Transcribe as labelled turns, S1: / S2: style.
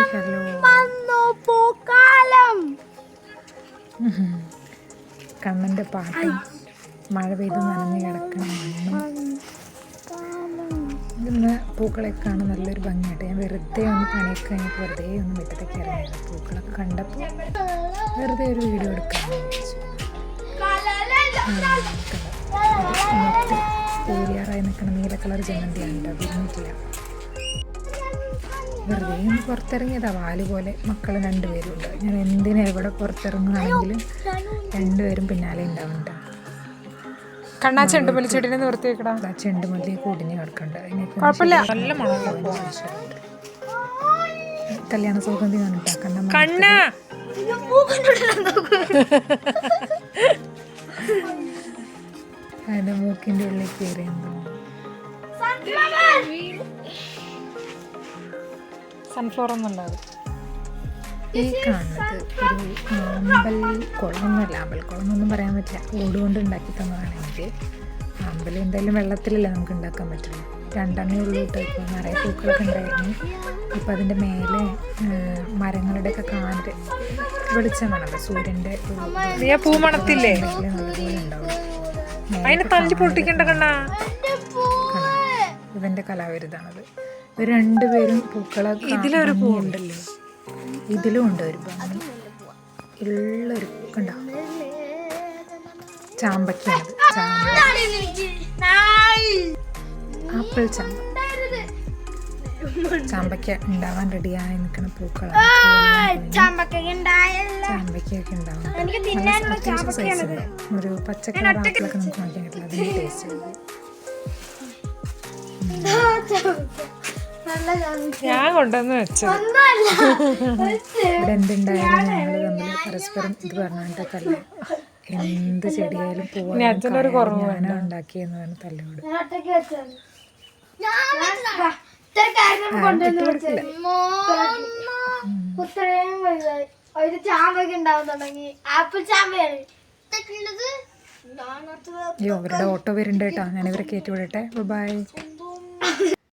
S1: കണ്ണൻ്റെ പാട്ടും മഴ പെയ്ത് നനഞ്ഞ് കിടക്കണ മണ്ണും. ഇന്ന് പൂക്കളൊക്കെ കാണാൻ നല്ലൊരു ഭംഗിയായിട്ട് ഞാൻ വെറുതെ ഒന്ന് പണിയൊക്കെ കഴിഞ്ഞിട്ട് വെറുതെ ഒന്ന് മുറ്റത്തേക്ക് ഇറങ്ങിയത്. പൂക്കളൊക്കെ കണ്ടപ്പോൾ വെറുതെ ഒരു വീഡിയോ എടുക്കാമെന്ന് വിചാരിച്ചു. പൂരിയാറായി നിൽക്കുന്ന നീല കളർ ജമന്തിയാണ് കേട്ടോ, വിരിഞ്ഞിട്ടില്ല. വെറുതെ ഒന്ന് പുറത്തിറങ്ങിയതാ. വാല് പോലെ മക്കൾ രണ്ടുപേരും ഉണ്ട്. ഞാൻ എന്തിനാ എവിടെ പുറത്തിറങ്ങുകയാണെങ്കിലും രണ്ടുപേരും പിന്നാലെ ഉണ്ടാവുന്നുണ്ട്.
S2: കണ്ണാ ചെണ്ടുമല്ലി ചെടിനെ നിർത്തി വെക്കടാ.
S1: ചെണ്ടുമല്ലി കൂടിഞ്ഞ് കിടക്കുന്നുണ്ട്.
S2: നല്ല
S1: കല്യാണ സൗഗന്ധി കണ്ടിട്ടാ
S2: കണ്ണ
S1: അതിന്റെ മൂക്കിന്റെ ഉള്ളിൽ കയറി എന്തോ.
S2: സൺഫ്ലവർ ഒന്നും
S1: ഈ കാണുന്നത് ഒരു അമ്പൽക്കുളമൊന്നുമല്ല. അമ്പൽക്കുളം എന്നൊന്നും പറയാൻ പറ്റില്ല. ഓടുകൊണ്ട് ഉണ്ടാക്കി തന്നതാണ് എനിക്ക്. അമ്പലം എന്തായാലും വെള്ളത്തിലല്ലേ നമുക്ക് ഉണ്ടാക്കാൻ പറ്റുള്ളൂ. രണ്ടെണ്ണേ ഉള്ളൂ കേട്ടോ. ഇപ്പോൾ നിറയെ പൂക്കളൊക്കെ ഉണ്ടായിരുന്നു. ഇപ്പം അതിൻ്റെ മേലെ മരങ്ങളുടെയൊക്കെ കാറ്റ് വെളിച്ചം വേണമല്ലോ. സൂര്യൻ്റെ
S2: പൂ മണത്തില്ലേ
S1: നല്ലപോലെ ഉണ്ടാവും. ഇവൻ്റെ കലാവിരുതാണത്. ഇവർ രണ്ടുപേരും പൂക്കളൊക്കെ ഇതിലൊരു പൂവുണ്ടല്ലോ. ഇതിലും ഉണ്ട് ഒരു ഭംഗി ഉള്ളൊരു കണ്ടോ. ചാമ്പയ്ക്കാണത്. ആപ്പിൾ ചാമ്പ. ചാമ്പയ്ക്ക ഉണ്ടാവാൻ റെഡിയായി നിൽക്കുന്ന പൂക്കളാണ്. ചാമ്പയ്ക്കൊക്കെ ഉണ്ടാവും. അത്യാവശ്യം സൈസുണ്ട്. ഒരു പച്ചക്കളർ ആപ്പിളൊക്കെ നമുക്ക് വാങ്ങിക്കാൻ കിട്ടില്ല. അതിൻ്റെ ടേസ്റ്റ്
S2: ഞാൻ കൊണ്ടുവന്ന് വെച്ചത്.
S1: ഇവിടെ എന്തുണ്ടായാലും ഞങ്ങൾ തമ്മിൽ പരസ്പരം ഇത് പറഞ്ഞിട്ട് തല്ല. എന്ത് ചെടിയായാലും പോവാനും ഉണ്ടാക്കിയെന്ന് പറഞ്ഞ തല്ലോട് അയ്യോ അവരുടെ ഓട്ടോ വരുന്നുണ്ട് കേട്ടോ. ഞാനിവരെ കയറ്റി വിടട്ടെ. ബൈ.